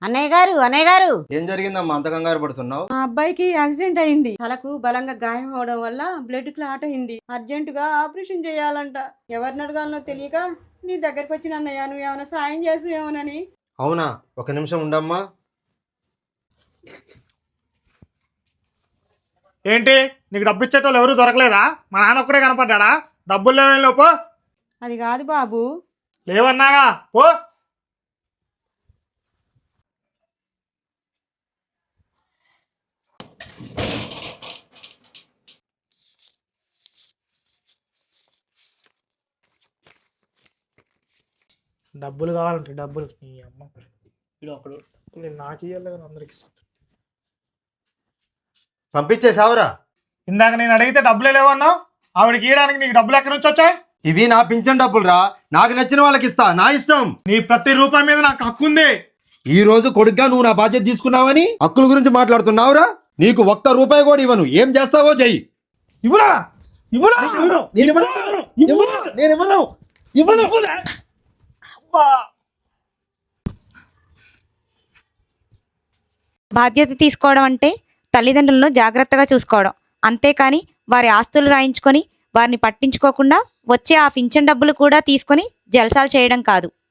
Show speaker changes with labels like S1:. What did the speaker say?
S1: అన్నయ్య గారు
S2: ఏం జరిగిందమ్మా అంత కంగారు పడుతున్నావు?
S1: మా అబ్బాయికి యాక్సిడెంట్ అయింది. తలకు బలంగా గాయం అవడం వల్ల బ్లడ్ క్లాట్ అయింది. అర్జెంటుగా ఆపరేషన్ చేయాలంట. ఎవరిని అడగాలనో తెలియక నీ దగ్గరికి వచ్చిన అన్నయ్య, నువ్వు ఏమైనా సాయం చేస్తావేమోనని.
S2: అవునా, ఒక నిమిషం ఉండమ్మా.
S3: ఏంటి నీకు డబ్బు ఇచ్చేటోళ్ళు ఎవరు దొరకలేదా? మా నాన్న ఒక్కడే కనపడ్డా? డబ్బులు లేవేం లోపో.
S1: అది కాదు బాబు.
S3: లేవన్నాగా పో. డబ్బులు కావాలంటే డబ్బులు నీ అమ్మ వీడు ఒకడు నేను నాకు ఇవ్వాలి కదా అందరికి ఇస్తాను.
S2: పంపించేసావురా?
S3: ఇందాక నేను అడిగితే డబ్బులే లేవన్నావు. ఆవిడకి ఇవ్వడానికి నీకు డబ్బులు ఎక్కడి నుంచి వచ్చాయి?
S2: ఇవి నా పింఛన్ డబ్బులురా, నాకు నచ్చిన వాళ్ళకి ఇస్తా, నా ఇష్టం.
S3: నీ ప్రతి రూపాయి మీద నాకు హక్కు ఉంది.
S2: ఈ రోజు కొడుగ్గా నువ్వు నా బాధ్యత తీసుకున్నావని హక్కుల గురించి మాట్లాడుతున్నావురా? నీకు ఒక్క రూపాయి కూడా ఇవ్వను. ఏం చేస్తావో చెయ్యి.
S3: ఇవ్వరా ఇవ్వరా
S4: బాధ్యత తీసుకోవడం అంటే తల్లిదండ్రులను జాగ్రత్తగా చూసుకోవడం, అంతేకాని వారి ఆస్తులు రాయించుకొని వారిని పట్టించుకోకుండా వచ్చే ఆ పింఛన్ డబ్బులు కూడా తీసుకొని జల్సాలు చేయడం కాదు.